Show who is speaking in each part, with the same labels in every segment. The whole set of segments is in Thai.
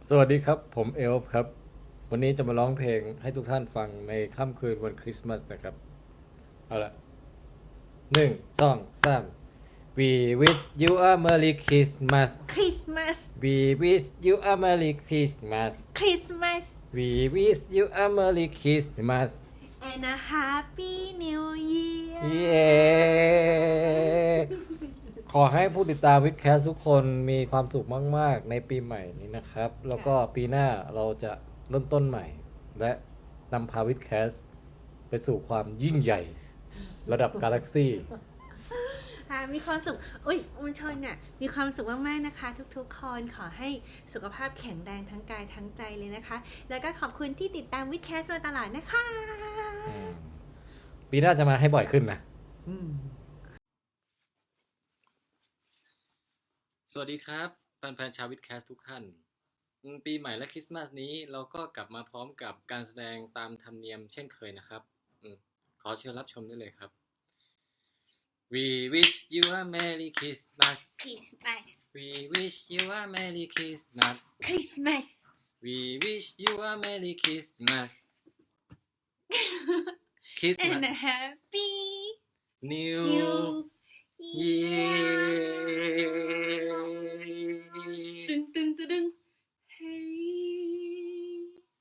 Speaker 1: สวัสดีครับผมเอลฟ์ครับวันนี้จะมาร้องเพลงให้ทุกท่านฟังในค่ำคืนวันคริสต์มาสนะครับเอาละ1 2 3 We wish you a Merry Christmas
Speaker 2: คริสต์มาส
Speaker 1: We wish you a Merry Christmas
Speaker 2: คริสต์มาส
Speaker 1: We wish you a Merry Christmas
Speaker 2: and a happy new year
Speaker 1: เย้ขอให้ผู้ติดตามวิดแคสทุกคนมีความสุขมากๆในปีใหม่นี้นะครับแล้วก็ปีหน้าเราจะเริ่มต้นใหม่และนำพาวิดแคสไปสู่ความยิ่งใหญ่ระดับกาแล็กซี่
Speaker 2: มีความสุขอุ้ยอุณชนน่ะมีความสุขมากๆนะคะทุกๆคนขอให้สุขภาพแข็งแรงทั้งกายทั้งใจเลยนะคะ แล้วก็ขอบคุณที่ติดตามวิดแคสมาตลอดนะคะ
Speaker 1: ปีหน้าจะมาให้บ่อยขึ้นนะสวัสดีครับแฟนๆชาววิดแคสทุกท่านปีใหม่และคริสต์มาสนี้เราก็กลับมาพร้อมกับการแสดงตามธรรมเนียมเช่นเคยนะครับขอเชิญรับชมได้เลยครับ We wish you a Merry Christmas
Speaker 2: คริสต์มาส
Speaker 1: We wish you a Merry Christmas
Speaker 2: คริสต์มาส
Speaker 1: We wish you a Merry Christmas
Speaker 2: and
Speaker 1: Christmas
Speaker 2: a happy
Speaker 1: New
Speaker 2: new
Speaker 1: Year
Speaker 2: ตึงตึงตึงตึงเฮ้ย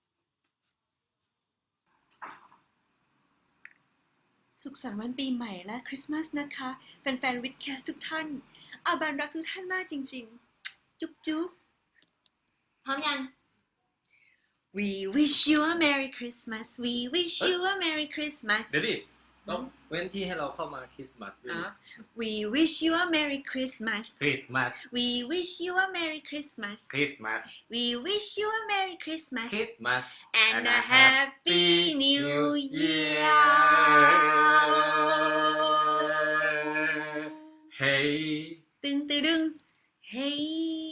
Speaker 2: สุขสันต์วันปีใหม่และคริสต์มาสนะคะแฟนๆวิดแคสทุกท่านอาบานรักทุกท่านมากจริงๆจุ๊บจุ๊บพร้อมยัง We wish you a Merry Christmas We wish you a Merry Christmas
Speaker 1: เดี๋ยวดิต้องเว้นที่ให้เราเข้ามาคริสต์มาสด้วย
Speaker 2: We wish you a Merry Christmas
Speaker 1: คริสต์มาส
Speaker 2: We wish you a Merry Christmas
Speaker 1: คริสต์มาส
Speaker 2: We wish you a Merry Christmas
Speaker 1: คริสต์มาส
Speaker 2: and a Happy New Year
Speaker 1: Hey
Speaker 2: ตึงตึงตึง Hey